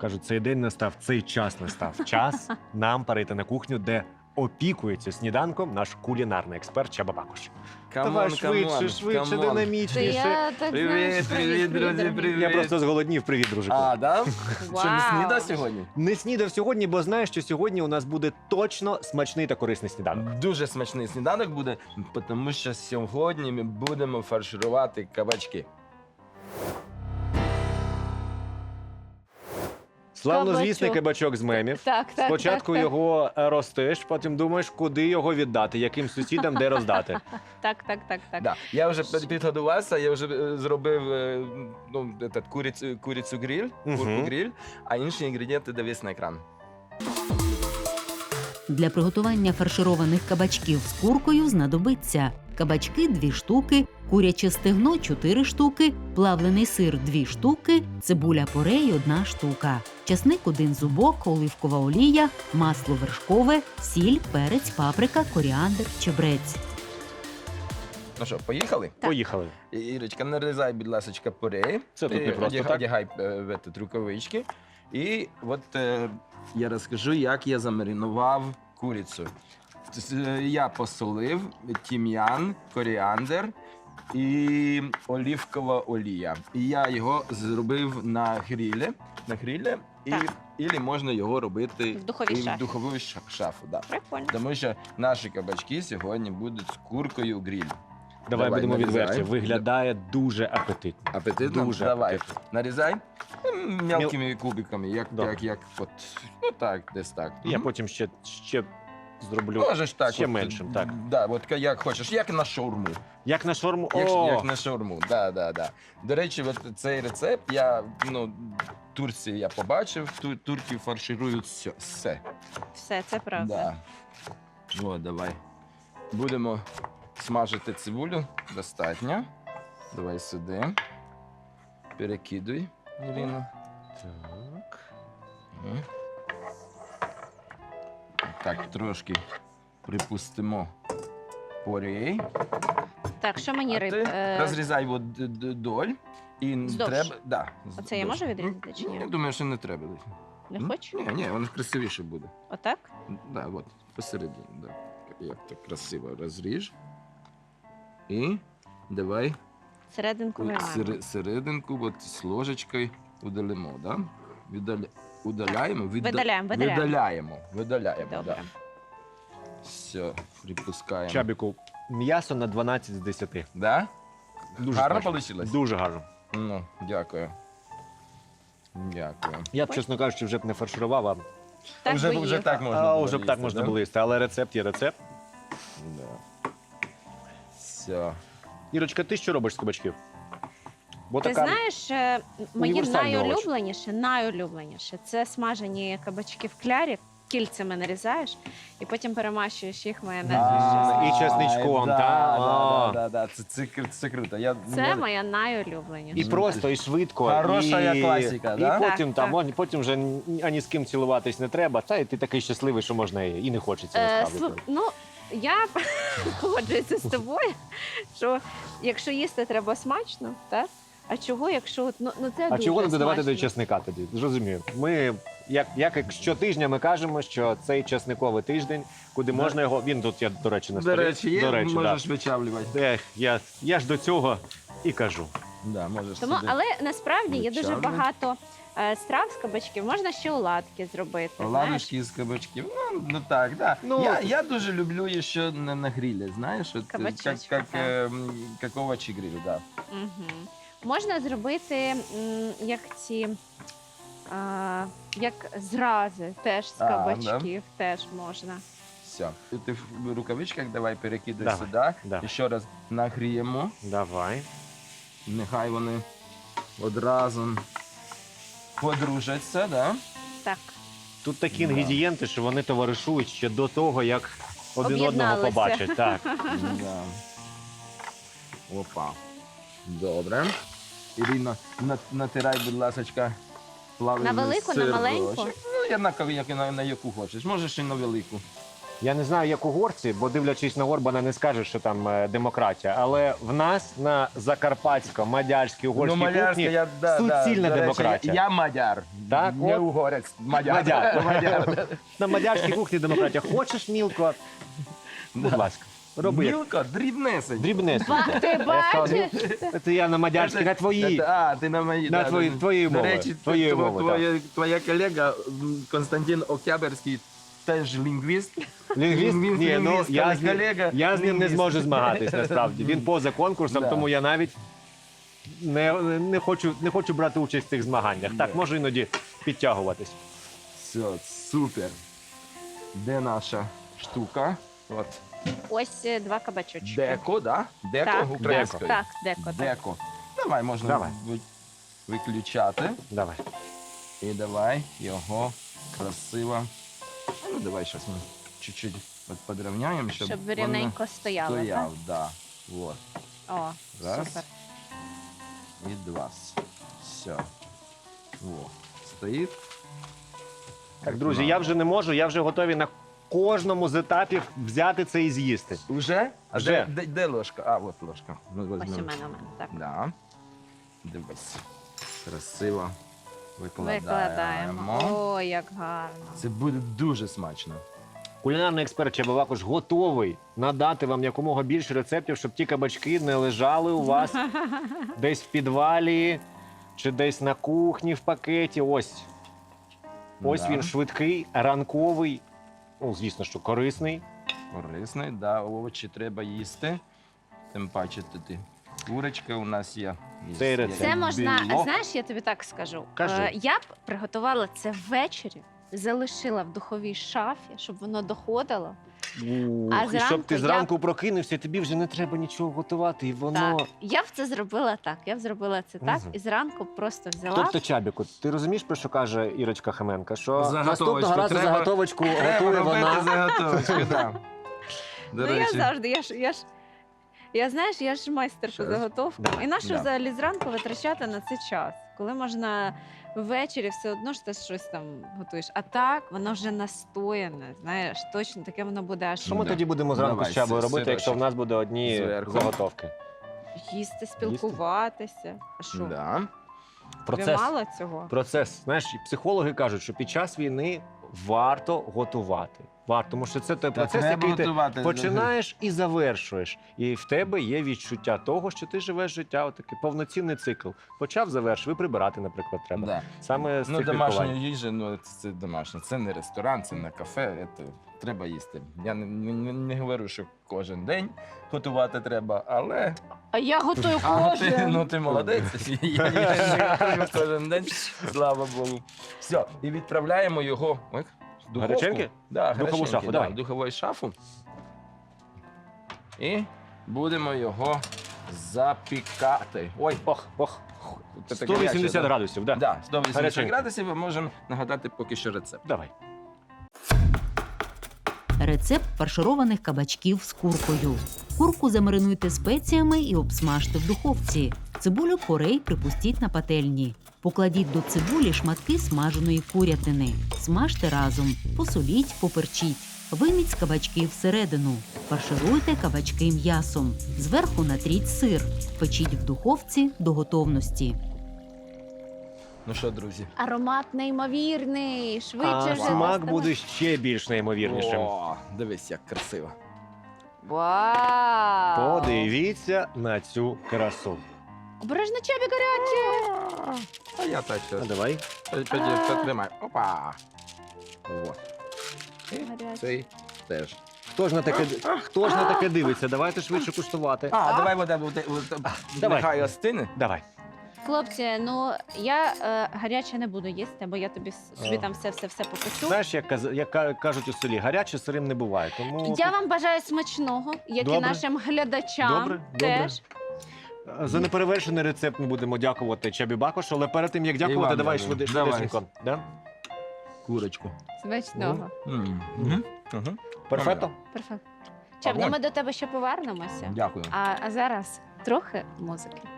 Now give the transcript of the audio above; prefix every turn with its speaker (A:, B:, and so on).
A: Кажуть, цей день настав, цей час настав. Час нам перейти на кухню, де опікується сніданком наш кулінарний експерт Чаба Бакуш. Давай швидше,
B: Це
A: динамічніше.
B: я так
C: Привіт, привіт, друзі, привіт.
A: Я просто зголоднів. Привіт, дружику.
C: А, да?
B: Вау.
C: Що, не снідав сьогодні?
A: Не снідав сьогодні, бо знаєш, що сьогодні у нас буде точно смачний та корисний сніданок.
C: Дуже смачний сніданок буде, тому що сьогодні ми будемо фарширувати кабачки.
A: Славнозвісний
B: Кабачок.
A: кабачок з мемів.
B: Так.
A: Спочатку
B: так.
A: його ростиш, потім думаєш, куди його віддати, яким сусідам, де роздати.
B: Так.
C: Да. Я вже підготувався, я вже зробив курицю гриль,
A: Мгм.
C: курку гриль, а інші інгредієнти дивись на екран.
D: Для приготування фаршированих кабачків з куркою знадобиться кабачки 2 штуки, куряче стегно 4 штуки, плавлений сир 2 штуки, цибуля порей 1 штука, часник 1 зубок, оливкова олія, масло вершкове, сіль, перець, паприка, коріандр, чебрець.
C: Ну що, поїхали?
B: Так.
A: Поїхали.
C: Ірочка, нарізай, будь ласка, порей.
A: Це тут не просто так.
C: Одягай рукавички. І от я розкажу, як я замаринував курицю. Я посолив тім'ян, коріандр і оливкова олія. І я його зробив на грилі.
B: Так.
C: І можна його робити
B: В духовій
C: і в
B: шафі.
C: духову шафу. Да.
B: Прикольно.
C: Тому що наші кабачки сьогодні будуть з куркою гриль.
A: Давай будемо
C: нарізай.
A: відверті. Виглядає дуже апетитно.
C: Апетитно?
A: Дуже
C: Давай.
A: апетитно.
C: Нарізай мелкими кубиками,
A: Добре.
C: як от, ну так, десь так.
A: Я
C: Мгм.
A: потім ще зроблю.
C: Можеш так.
A: ще
C: от,
A: меншим, так.
C: Да, от як хочеш, як на шаурму.
A: Як на шорму.
C: Як на шаурму, да. До речі, от цей рецепт в Турції я побачив, турки фарширують все.
B: Все, це правда.
C: Да. О, давай. Будемо смажити цибулю. Достатньо. Давай сюди. Перекидуй, Ірина.
A: Так.
C: Мгм. Так, трошки припустимо порей.
B: Так, що мені
C: А
B: риб?
C: ти розрізай доль. І
B: Вздовж?
C: треба. Да,
B: Оце я
C: вздовж.
B: можу відрізати чи ні?
C: Я думаю, що не треба.
B: Не хочу?
C: Ні, воно красивіше буде.
B: Отак?
C: Да, от, посередині. Да. Як так красиво розріж. І давай
B: Серединку виймаємо.
C: серединку от, з ложечкою удалимо. Да? Удаляємо?
B: Видаляємо.
C: Видаляємо,
B: Добре.
C: да. Все, припускаємо.
A: Чабіку, м'ясо на 12 з 10.
C: Да?
A: Дуже
C: Гарно
A: смачно.
C: вийшло?
A: Дуже гарно.
C: Ну, дякую. Дякую.
A: Я б, чесно кажучи, вже б не фарширував, а
B: Так
C: вже,
B: би
C: вже
B: їв.
C: так можна
A: а
C: було
A: вже б так
C: їсти,
A: можна
C: да?
A: було їсти. Але рецепт є рецепт.
C: Да. Все.
A: Ірочка, ти що робиш з кабачків? Бо
B: Ти
A: така
B: знаєш, мені
A: універсальний овоч.
B: найулюбленіше це смажені кабачки в клярі, кільцями нарізаєш і потім перемащуєш їх майонезом.
A: А,
B: з
A: і чесничком, та? А.
C: Да. Це круто.
B: Це моя найулюбленіша.
A: І просто, і швидко.
C: Хороша
A: і...
C: класика,
A: і
C: да?
A: потім,
B: Так, так.
A: потім вже ані з ким цілуватись не треба, та і ти такий щасливий, що можна і не хочеться насправді.
B: Ну, я погоджуюся з тобою, що якщо їсти треба смачно, так? А чого, якщо це
A: А
B: дуже
A: чого не додавати
B: смачно.
A: до чесника тоді? Зрозумію. Ми, як щотижня ми кажемо, що цей чесниковий тиждень, куди
C: Да.
A: можна його, він тут, я, до речі, на
C: До
A: столі.
C: речі, є,
A: До речі,
C: можеш вичавлювати.
A: я ж до цього і кажу.
C: Да, можеш
B: Тому,
C: сюди.
B: але насправді є дуже
C: Звичайно.
B: багато страв з кабачків. Можна ще оладки зробити. знаєш.
C: Оладушки з кабачків. Ну так, да.
A: Ну,
C: я дуже люблю ще на грилі, знаєш, от,
B: Кабачочки,
C: як
B: так.
C: овочі гриль, да.
B: Угу. Можна зробити як ці як зрази теж з
C: А,
B: кабачків, теж можна.
C: Все. Ти в рукавичках давай перекидай
A: Давай,
C: сюди.
A: да.
C: І ще раз нагріємо.
A: Давай.
C: Нехай вони одразу подружаться, да?
B: Так.
A: Тут такі
C: Да.
A: інгредієнти, що вони товаришують ще до того, як один одного
B: Об'єдналися.
A: побачать. Так.
C: Да. Опа. Добре. Ірина, натирай, будь ласка, плавлений
B: На велику, на
C: сир
B: маленьку?
C: дощик. Ну, як на яку хочеш. Можеш і на велику.
A: Я не знаю, як угорці, бо дивлячись на Орбана, не скажеш, що там демократія. Але в нас на закарпатсько-мадярській угорській кухні суцільна
C: До речі,
A: демократія.
C: Я мадяр,
A: Так,
C: не
A: от.
C: угорець, мадяр.
A: Мадяр. На мадярській кухні демократія. Хочеш мілко? Будь ласка, роби. як
C: Мілко, дрібнесень.
A: Дрібнесенько.
B: Ти
A: Я
B: бачиш?
A: сказав, Це я на мадярській, на твоїй.
C: А, ти на моїй.
A: На твоєї
C: До
A: мови.
C: речі,
A: Твоєї мови,
C: твоя колега Константин Октябрьський теж лінгвіст.
A: Лінгвіст? Ні, ну
C: Лінгвіст,
A: я з ним,
C: колега,
A: я з ним не
C: лінгвіст.
A: зможу змагатись, насправді. Він поза конкурсом,
C: Да.
A: тому я навіть не хочу брати участь в цих змаганнях. Так,
C: Да.
A: можу іноді підтягуватись.
C: Все, супер. Де наша штука? От.
B: Ось 2 кабачочки.
C: Деко, да? Деко
B: Так,
C: українською.
B: так, деко. Так.
C: Деко. Давай, можна
A: Давай.
C: виключати.
A: Давай.
C: І давай його красиво. Ну, давай зараз ми чуть-чуть підрівняємо, щоб
B: Щоб
C: воно
B: рівненько стояло, так?
C: стояв. Да. Вот.
B: О,
C: Раз.
B: супер.
C: І два. Все. Во. Стоїть.
A: Так, друзі, я вже не можу, я вже готовий на кожному з етапів взяти це і з'їсти.
C: Уже? А
A: Вже.
C: де ложка? А, от ложка. Ми
B: Ось у
C: візьмемо.
B: мене, так.
C: Да. Дивись. Красиво
B: Викладаємо.
C: викладаємо.
B: О, як гарно.
C: Це буде дуже смачно.
A: Кулінарний експерт Чаба Бакуш готовий надати вам якомога більше рецептів, щоб ті кабачки не лежали у вас десь в підвалі чи десь на кухні в пакеті. Ось
C: Да.
A: він швидкий, ранковий, ну, звісно, що корисний.
C: Корисний, да, овочі треба їсти. Тим паче тут курочка у нас є.
A: Цей рецепт.
B: Це можна,
C: білок.
B: знаєш, я тобі так скажу.
A: Кажи.
B: Я б приготувала це ввечері, залишила в духовій шафі, щоб воно доходило. А
A: І
B: зранку
A: щоб ти
B: я-
A: зранку прокинувся, тобі вже не треба нічого готувати, і воно...
B: Так, я б це зробила так. Я б зробила це так,
A: Мгм.
B: і зранку просто взяла.
A: Тобто, Чабіку, ти розумієш, про що каже Ірочка Хаменка? Що
C: Заготовочку
A: наступного разу
C: треба-
A: заготовочку
C: Треба
A: готує
C: робити
A: вона.
C: заготовочку, да. До
B: Ну, я
C: речі,
B: завжди, я знаєш, я ж майстер по
C: Щас.
B: заготовкам.
A: Давай.
B: І нащо
C: Да.
B: взагалі зранку витрачати на це час, коли можна ввечері все одно ж ти щось там готуєш. А так, воно вже настояне, знаєш, точно таке воно буде аж
A: Що ми
C: Да.
A: тоді будемо зранку
C: Давай,
A: з Чабою робити,
C: сирочок.
A: якщо в нас буде одні
C: Зверху.
A: заготовки?
B: їсти, спілкуватися. А що?
C: да.
B: Тобі мало цього?
A: Процес. Знаєш, і психологи кажуть, що під час війни варто готувати. Варто, тому що це той
C: Та
A: процес,
C: треба
A: який ти
C: готувати.
A: починаєш і завершуєш. І в тебе є відчуття того, що ти живеш життя, отакий повноцінний цикл. Почав, завершив, і прибирати, наприклад, треба.
C: Да.
A: Саме з
C: Ну,
A: цих
C: домашня
A: міркувань.
C: їжа, ну це домашня. Це не ресторан, це не кафе. Це треба їсти. Я не говорю, що кожен день готувати треба, але
B: А я готую
C: а,
B: кожен.
C: ти молодець. Я не готую кожен день, слава Богу. Все, і відправляємо його ой, в духовку.
A: Гаряченьке?
C: Да,
A: Духову
C: гаряченьке,
A: шафу,
C: да,
A: давай.
C: в духову шафу. І будемо його запікати. Ой,
A: Ох.
C: це таке
A: 180
C: гаряче, да?
A: градусів, так? Да.
C: Да, 180
A: Гаряченьке.
C: градусів ми можемо нагадати поки що рецепт.
A: Давай.
D: Рецепт фаршированих кабачків з куркою. Курку замаринуйте спеціями і обсмажте в духовці. Цибулю порей припустіть на пательні. Покладіть до цибулі шматки смаженої курятини. Смажте разом, посоліть, поперчіть. Вийміть кабачки всередину. Фаршируйте кабачки м'ясом. Зверху натріть сир. Печіть в духовці до готовності.
C: Ну що, друзі?
B: Аромат неймовірний. Швидше
A: А
B: вже.
A: смак
B: доставай.
A: буде ще більш неймовірнішим.
C: О, дивись, як красиво.
B: Вау!
A: Подивіться на цю красу.
B: Обережно, Чабі, гаряче!
C: А я так
A: А
C: ще.
A: давай.
C: Потримай. Опа. О. І
B: Гаряче.
C: цей теж.
A: Хто ж на таке дивиться? Давайте швидше куштувати.
C: Давай вода,
A: Давай.
C: нехай остине.
A: Давай.
B: Хлопці, ну я гаряче не буду їсти, бо я собі там все попечу.
A: Знаєш, як кажуть у селі, гаряче сирим не буває. Тому
B: Я вам бажаю смачного, як
A: Добре.
B: і нашим глядачам.
A: Добре.
B: Теж.
A: За неперевершений рецепт ми будемо дякувати Чабі Бакошу, але перед тим, як дякувати,
C: вам
A: давай
C: дякую.
A: швидесенько. Да?
C: Курочку.
B: Смачного.
A: Перфекто?
B: Перфект. Чаб, ну
C: Огонь.
B: ми до тебе ще повернемося.
C: Дякую.
B: А зараз трохи музики.